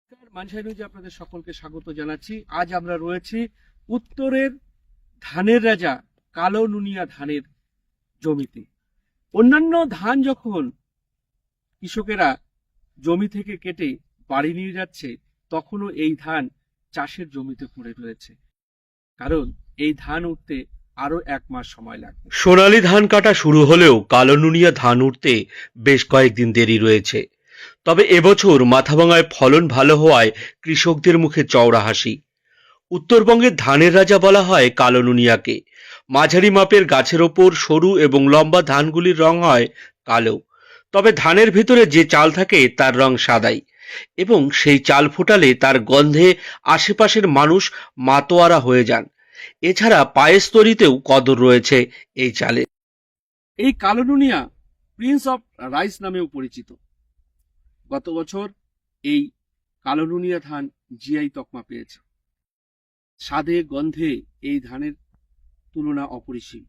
নমস্কার, মানসাই নিউজে আপনাদের সকলকে স্বাগত জানাচ্ছি। আজ আমরা রয়েছি উত্তরের ধানের রাজা কালো নুনিয়া ধানের জমিতে। অন্যান্য ধান যখন কৃষকেরা জমি থেকে কেটে বাড়ি নিয়ে যাচ্ছে, তখনও এই ধান চাষের জমিতে পড়ে রয়েছে, কারণ এই ধান উঠতে আরো 1 মাস সময় লাগবে। সোনালী ধান কাটা শুরু হলেও কালো নুনিয়া ধান উঠতে বেশ কয়েকদিন দেরি রয়েছে। তবে এবছর মাথাভাঙায় ফলন ভালো হওয়ায় কৃষকদের মুখে চওড়া হাসি। উত্তরবঙ্গের ধানের রাজা বলা হয় কালো নুনিয়াকে। মাঝারি মাপের গাছের ওপর সরু এবং লম্বা ধানগুলির রং হয় কালো, তবে ধানের ভিতরে যে চাল থাকে তার রং সাদাই, এবং সেই চাল ফোটালে তার গন্ধে আশেপাশের মানুষ মাতোয়ারা হয়ে যান। এছাড়া পায়েস তৈরিতেও কদর রয়েছে এই চালের। এই কালো নুনিয়া প্রিন্স অফ রাইস নামেও পরিচিত। গত বছর এই কালো নুনিয়া ধান জিআই তকমা পেয়েছে। স্বাদে গন্ধে এই ধানের তুলনা অপরিসীম।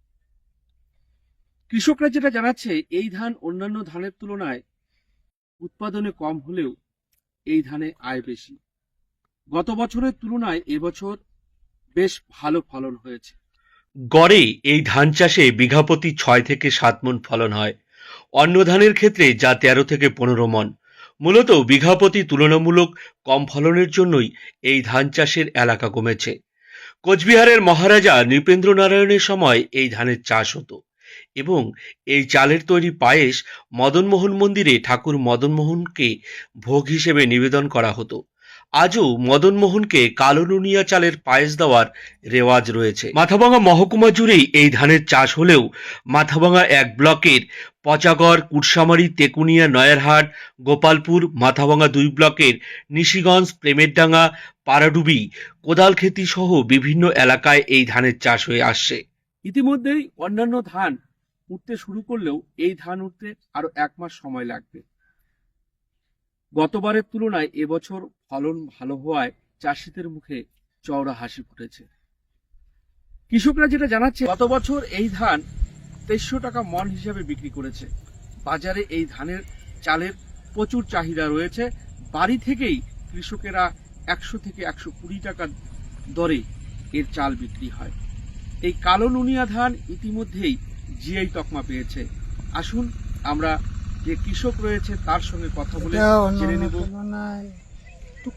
কৃষকরা যেটা জানাচ্ছে, এই ধান অন্যান্য ধানের তুলনায় উৎপাদনে কম হলেও এই ধানে আয় বেশি। গত বছরের তুলনায় এবছর বেশ ভালো ফলন হয়েছে। গড়ে এই ধান চাষে বিঘাপ্রতি 6 থেকে 7 মণ ফলন হয়। অন্য ধানের ক্ষেত্রে যা 13 থেকে 15 মণ। মূলত বিঘাপ্রতি তুলনামূলক কম ফলনের জন্যই এই ধান চাষের এলাকা কমেছে। কোচবিহারের মহারাজা নৃপেন্দ্র নারায়ণের সময় এই ধানের চাষ হতো, এবং এই চালের তৈরি পায়েস মদনমোহন মন্দিরে ঠাকুর মদনমোহনকে ভোগ হিসেবে নিবেদন করা হতো। আজও মদনমোহনকে কালো নুনিয়া চালের পায়েস দেওয়ার রেওয়াজ রয়েছে। মাথাভাঙা মহকুমা জুড়েই এই ধানের চাষ হলেও মাথাভাঙা 1 ব্লকের পচাগড়, কুটসামারি, তেকুনিয়া, নয়ারহাট, গোপালপুর, মাথাভাঙা 2 ব্লকের নিশিগঞ্জ, প্রেমেরডাঙ্গা, পাড়াডুবি, কোদালখেতি সহ বিভিন্ন এলাকায় এই ধানের চাষ হয়ে আসছে। ইতিমধ্যেই অন্যান্য ধান উঠতে শুরু করলেও এই ধান উঠতে আরো 1 মাস সময় লাগবে। গতবারের তুলনায় এবছর ফলন ভালো হওয়ায় চাষিদের মুখে চওড়া হাসি ফুটেছে। কৃষকরা যেটা জানাচ্ছে, গত বছর এই ধান 2300 টাকা মণ হিসাবে বিক্রি করেছে। বাজারে এই ধানের চালের প্রচুর চাহিদা রয়েছে। বাড়ি থেকেই কৃষকেরা 100 থেকে 120 টাকা দরে এর চাল বিক্রি হয়। এই কালো নুনিয়া ধান ইতিমধ্যেই জিআই তকমা পেয়েছে। আসুন আমরা যে কৃষক রয়েছে তার সঙ্গে কথা বলে জেনে নেব। একটু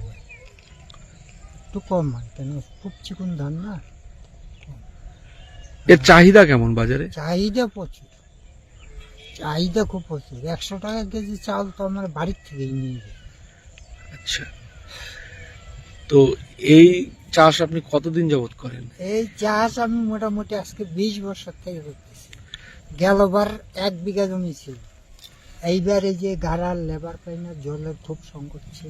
কম হয় কেন, খুব চিকন ধান না। এর চাহিদা কেমন বাজারে? চাহিদা প্রচুর, চাহিদা খুব প্রচুর। 100 টাকা কেজি চাল তো আমার বাড়ির থেকেই নিয়ে যায়। আচ্ছা, তো এই চাষ আপনি কতদিন যাবত করেন? এই চাষ আমি মোটামুটি আজকে 20 বছর থেকে করতেছি। গেলবার 1 বিঘা জমি ছিল, এইবার এই যে গাড়ার লেবার পাই না, জলের খুব সংকট ছিল।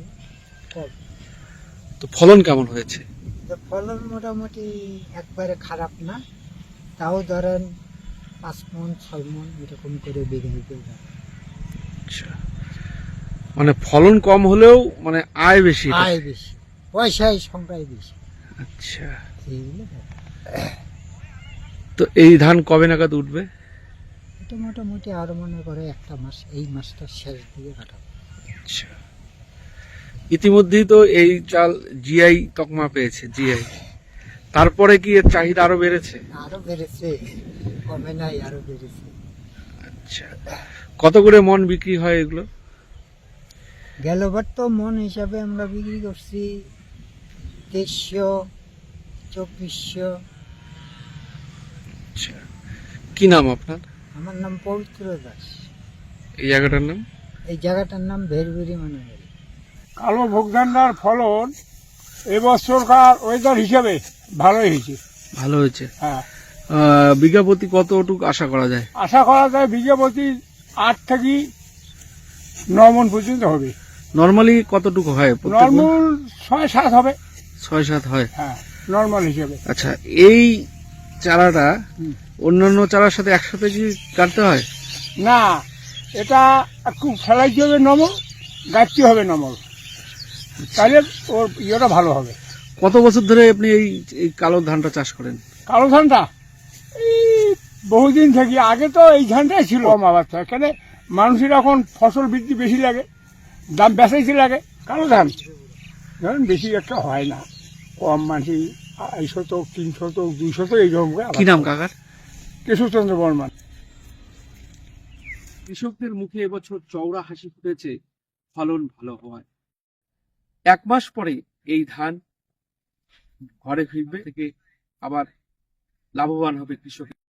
তো ফলন কেমন হয়েছে? তো ফলন মোটামুটি একবারে খারাপ না, তাও ধরেন 5 মণ 6 মণ এরকম করে বিঘায় পেয়ে। আচ্ছা, মানে ফলন কম হলেও মানে আয় বেশি। আয় বেশি, পয়সায় সংখ্যায় বেশি। আচ্ছা, এইগুলো ব্যাপার। তো এই ধান কবে নাগাদ উঠবে? এটা মোটামুটি আরো মনে করে 1 মাস, এই মাসটা শেষ দিকে কাটাবো। আচ্ছা, ইতিমধ্যেই তো এই চাল জিআই তকমা পেয়েছে, জিআই। তারপরে কি এর চাহিদা আরো বেড়েছে? আরো বেড়েছে, কমে নাই, আরো বেড়েছে। আচ্ছা, কত করে মন বিক্রি হয় এগুলো? গেলবার তো মন হিসাবে আমরা বিক্রি করছি 2300 2400। আচ্ছা, কি নাম আপনার? আমার নাম পবিত্র দাস। এই জায়গাটার নাম? এই জায়গাটার নাম ভেরভেরি মানে। কালো ভোগধান্ডার ফলন এবছরকার ওয়েদার হিসাবে ভালোই হয়েছে। ভালো হয়েছে। হ্যাঁ, বিঘা প্রতি কতটুকু আশা করা যায়? আশা করা যায় বিঘা প্রতি 8 থেকে 9 মণ পর্যন্ত হবে। নরমালি কতটুকু হয়? নর্মাল 6-7 হবে। 6-7 হয়। হ্যাঁ, নর্মাল হিসাবে। আচ্ছা, এই চারাটা অন্যান্য চারার সাথে একসাথে কি কাটতে হয়? না, এটা একটু ফেলাইতে হবে নমল, গাছতে হবে নমল, তাহলে ওর ইয়েটা ভালো হবে। কত বছর ধরে আপনি এই এই কালো ধানটা চাষ করেন? কালো ধানটা এই বহুদিন থেকে, আগে তো এই ধানটাই ছিল কম আবার, এখানে মানুষের এখন ফসল বৃদ্ধি বেশি লাগে, দাম বেশি লাগে। কালো ধান ধরেন বেশি একটা হয় না, কম মাটি 250 শতক 300 শতক 200 শতক এইরকম করে কি নাম কাকার? কেশবচন্দ্র বর্মন। কৃষকদের মুখে এবছর চওড়া হাসি ফুটেছে ফলন ভালো হওয়ায়। 1 মাস পরে এই ধান ঘরে ফিরবে থেকে আবার লাভবান হবে কৃষক।